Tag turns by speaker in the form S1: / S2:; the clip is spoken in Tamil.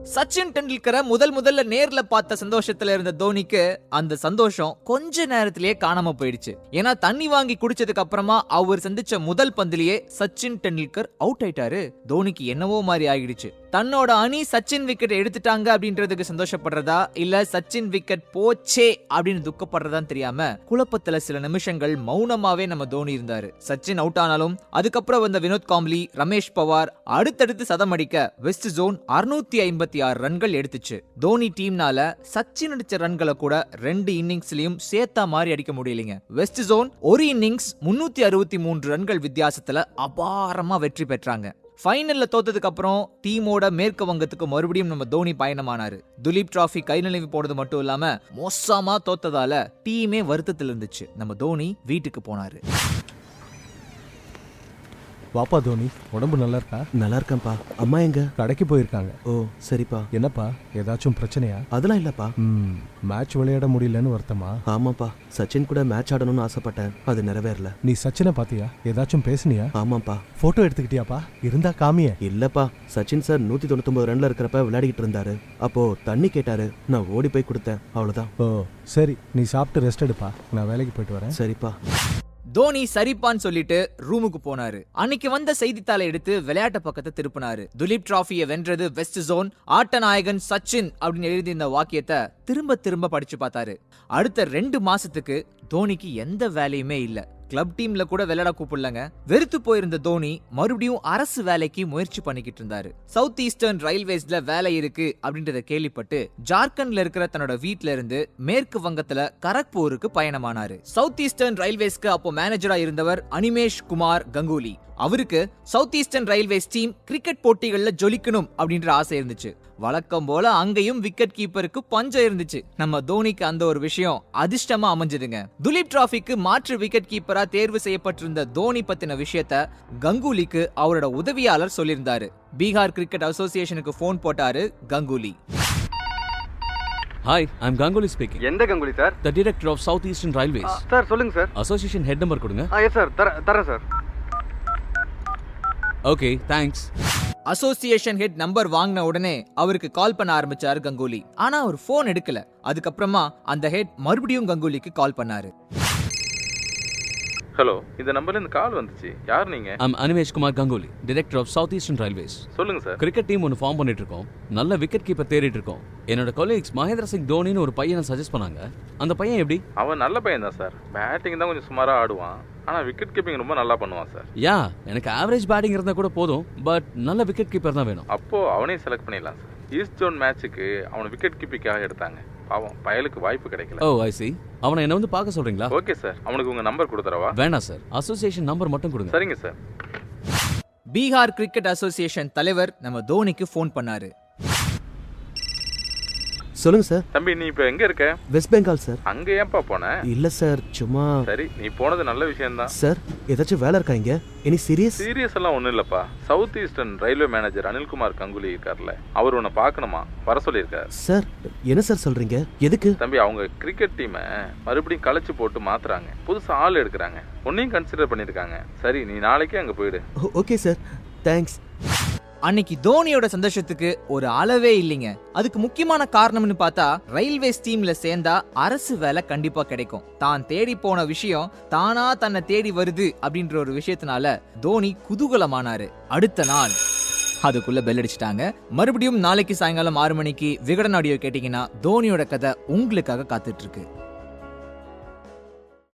S1: சச்சின் டெண்டுல்கரை முதல்ல நேர்ல பார்த்த சந்தோஷத்துல இருந்த தோனிக்கு அந்த சந்தோஷம் கொஞ்ச நேரத்திலேயே காணாம போயிடுச்சு. ஏன்னா தண்ணி வாங்கி குடிச்சதுக்கு அப்புறமா அவர் சந்திச்ச முதல் பந்திலேயே சச்சின் டெண்டுல்கர் அவுட் ஆயிட்டாரு. தோனிக்கு என்னவோ மாதிரி ஆகிடுச்சு. தன்னோட அணி சச்சின் விக்கெட் எடுத்துட்டாங்க அப்படின்றதுக்கு சந்தோஷப்படுறதா இல்ல சச்சின் விக்கெட் போச்சே அப்படின்னு துக்கப்படுறதான்னு தெரியாம குழப்பத்துல சில நிமிஷங்கள் மௌனமாவே நம்ம தோனி இருந்தாரு. சச்சின் அவுட் ஆனாலும் அதுக்கப்புறம் வந்த வினோத் காம்ப்ளி, ரமேஷ் பவார் அடுத்தடுத்து சதம் அடிக்க வெஸ்ட் ஜோன் 656 ரன்கள் எடுத்துச்சு. தோனி டீம்னால சச்சின் அடிச்ச ரன்களை கூட 2 இன்னிங்ஸ்லயும் சேர்த்தா மாதிரி அடிக்க முடியலைங்க. வெஸ்ட் ஜோன் ஒரு இன்னிங்ஸ் 363 ரன்கள் வித்தியாசத்துல அபாரமா வெற்றி பெற்றாங்க. ஃபைனல்ல தோத்ததுக்கு அப்புறம் டீமோட மேற்கு வங்கத்துக்கு மறுபடியும் நம்ம தோனி பயணமானாரு. துலீப் டிராஃபி கை நழுவி போனது மட்டும் இல்லாம மோசமா தோத்ததால டீமே வருத்தத்தில் இருந்துச்சு. நம்ம தோனி வீட்டுக்கு போனாரு.
S2: வாப்பா தோனி, உடம்பு நல்லா இருக்கா?
S3: நல்லா இருக்கேன்ப்பா. அம்மா எங்க?
S2: கடைக்கு போயிருக்காங்க.
S3: ஓ சரிப்பா.
S2: என்னப்பா, ஏதாச்சும் பிரச்சனையா?
S3: அதெல்லாம் இல்லப்பா.
S2: மேட்ச் விளையாட முடியலன்னு வருத்தமா?
S3: ஆமாப்பா, சச்சின் கூட மேட்ச் ஆடணும்னு ஆசைப்பட்டேன், அது நிறைவேறல.
S2: நீ சச்சினை பாத்தியா? ஏதாச்சும் பேசுனியா?
S3: ஆமாப்பா.
S2: போட்டோ எடுத்துக்கிட்டியாப்பா? இருந்தா காமிய.
S3: இல்லப்பா, சச்சின் சார் 199 ரன்ல இருக்கிறப்ப விளையாடிட்டு இருந்தாரு. அப்போ தண்ணி கேட்டாரு, நான் ஓடி போய் கொடுத்தேன், அவ்வளவுதான்.
S2: ஓ சரி, நீ சாப்பிட்டு ரெஸ்ட் எடுப்பா, நான் வேலைக்கு போயிட்டு வரேன்.
S3: சரிப்பா.
S1: தோனி சரிப்பான்னு சொல்லிட்டு ரூமுக்கு போனாரு. அன்னைக்கு வந்த செய்தித்தாளை எடுத்து விளையாட்டு பக்கத்தை திருப்பினாரு. துலீப் டிராஃபியை வென்றது வெஸ்ட் ஜோன், ஆட்ட நாயகன் சச்சின் அப்படின்னு எழுதி இந்த வாக்கியத்தை திரும்ப திரும்ப படிச்சு பார்த்தாரு. அடுத்த 2 மாசத்துக்கு தோனிக்கு எந்த வேலையுமே இல்ல. கிளப் டீம்ல கூட விளையாட கூப்பிடலங்க. வெறுத்து போயிருந்த தோனி மறுபடியும் அரசு வேலைக்கு முயற்சி பண்ணிக்கிட்டு இருந்தாரு. சவுத் ஈஸ்டர்ன் ரயில்வேஸ்ல வேலை இருக்கு அப்படின்றத கேள்விப்பட்டு ஜார்க்கண்ட்ல இருக்கிற தன்னோட வீட்ல இருந்து மேற்கு வங்கத்துல கரக்பூருக்கு பயணமானாரு. சவுத் ஈஸ்டர்ன் ரயில்வேஸ்க்கு அப்போ மேனேஜரா இருந்தவர் அனிமேஷ் குமார் கங்குலி. அவருக்கு சவுத் ஈஸ்டர்ன் ரயில்வேஸ் டீம் கிரிக்கெட் போட்டிகள்ல ஜொலிக்கணும் அப்படின்ற ஆசை இருந்துச்சு. வழக்கம் போல அங்கேயும் விக்கெட் கீப்பருக்கு பஞ்சம் இருந்துச்சு. நம்ம தோனிக்கு அந்த ஒரு விஷயம் அதிர்ஷ்டமா அமைஞ்சதுங்க. துலீப் டிராஃபிக்கு மாற்று விக்கெட் கீப்பரா தேர்வு செய்யப்பட்டிருந்த தோனி பத்தின விஷயத்த கங்குலிக்கு அவரோட உதவியாளர் சொல்லியிருந்தாரு. பீகார் கிரிக்கெட் அசோசியேஷனுக்கு போன் போட்டாரு Ganguly.
S4: Hi, I'm Ganguly speaking.
S5: எந்த Ganguly sir?
S4: The director of South Eastern Railways.
S5: Sir சொல்லுங்க சார்.
S4: Association head number கொடுங்க.
S5: எஸ் சார், தரேன் sir.
S4: Okay, thanks.
S1: Association head number வாங்கின உடனே அவருக்கு கால் பண்ண ஆரம்பிச்சாரு கங்குலி. ஆனா அவர் போன் எடுக்கல. அதுக்கப்புறமா அந்த ஹெட் மறுபடியும் கங்குலிக்கு கால் பண்ணாரு.
S6: ஹலோ, இந்த நம்பர்ல இருந்து கால் வந்துச்சு. யார் நீங்க?
S4: I'm Animesh Kumar Ganguly, director of South Eastern Railways.
S6: சொல்லுங்க சார்.
S4: கிரிக்கெட் டீம் ஒன்று ஃபார்ம் பண்ணிட்டு இருக்கோம். நல்ல விக்கெட் கீப்பர் தேடிட்டு இருக்கோம். என்னோட கொலீக்ஸ் மகேந்திர சிங் தோனின்னு ஒரு பையனை சஜஸ்ட் பண்ணாங்க. அந்த பையன் எப்படி?
S6: அவன் நல்ல பையன் தான் சார். பேட்டிங் தான் கொஞ்சம் சுமாரா ஆடுவான், ஆனா விக்கெட் கீப்பிங் ரொம்ப நல்லா பண்ணுவான் சார்.
S4: யா, எனக்கு ஆவரேஜ் பேட்டிங் இருந்தா கூட போதும், பட் நல்ல விக்கெட் கீப்பர் தான் வேணும்.
S6: அப்போ அவனையும் செலக்ட் பண்ணிடலாம் சார். ஈஸ்ட் ஜோன் மேட்சுக்கு அவனை விக்கெட் கீப்பிங்காக எடுத்தாங்க. பாவம், பயலுக்கு வாய்ப்பு கிடைக்கல.
S4: Oh I see. அவனை என்ன வந்து பார்க்க சொல்றீங்களா?
S6: ஓகே சார், அவனுக்கு உங்க நம்பர் கொடுத்துறவா?
S4: வேணாம் சார், அசோசியேஷன் நம்பர் மட்டும் கொடுங்க.
S6: சரிங்க சார்.
S1: பீகார் கிரிக்கெட் அசோசியேஷன் தலைவர் நம்ம தோனிக்கு போன் பண்ணாரு.
S3: சொல்லுங்க சார்.
S6: தம்பி, நீ இப்ப எங்க இருக்க?
S3: வெஸ்ட் பெங்கால் சார்.
S6: அங்க ஏன்பா போன?
S3: இல்ல சார், சும்மா.
S6: சரி, நீ போனது நல்ல விஷயம் தான்
S3: சார். ஏதாச்சும் வேலை இருக்கா இங்க? Any serious?
S6: சீரியஸ் எல்லாம் ஒண்ணும் இல்லப்பா. சவுத் ஈஸ்டர்ன் ரயில்வே மேனேஜர் அனில்குமார் கங்குலி இருக்கார்ல, அவர் உன்னை பார்க்கணுமா, வர சொல்லியிருக்காரு.
S3: சார், என்ன சார் சொல்றீங்க? எதுக்கு?
S6: தம்பி, அவங்க கிரிக்கெட் டீமை மறுபடியும் கலைச்சு போட்டு மாத்துறாங்க. புதுசா ஆள் எடுக்கிறாங்க. உன்னையும் கன்சிடர் பண்ணிருக்காங்க. சரி, நீ நாளைக்கே அங்க போயிடு.
S3: Okay sir, thanks.
S1: அன்னைக்கு தோனியோட சந்தோஷத்துக்கு ஒரு அளவே இல்லைங்க. அதுக்கு முக்கியமான காரணம்னு பார்த்தா, ரயில்வேஸ் டீம்ல சேர்ந்தா அரசு வேலை கண்டிப்பா கிடைக்கும். தான் தேடி போன விஷயம் தானா தன்னை தேடி வருது அப்படின்ற ஒரு விஷயத்தினால தோனி குதூகலமானாரு. அடுத்த நாள் அதுக்குள்ள பெல் அடிச்சிட்டாங்க. மறுபடியும் நாளைக்கு சாயங்காலம் 6 மணிக்கு விகடன் ஆடியோ கேட்டீங்கன்னா தோனியோட கதை உங்களுக்காக காத்துட்டு இருக்கு.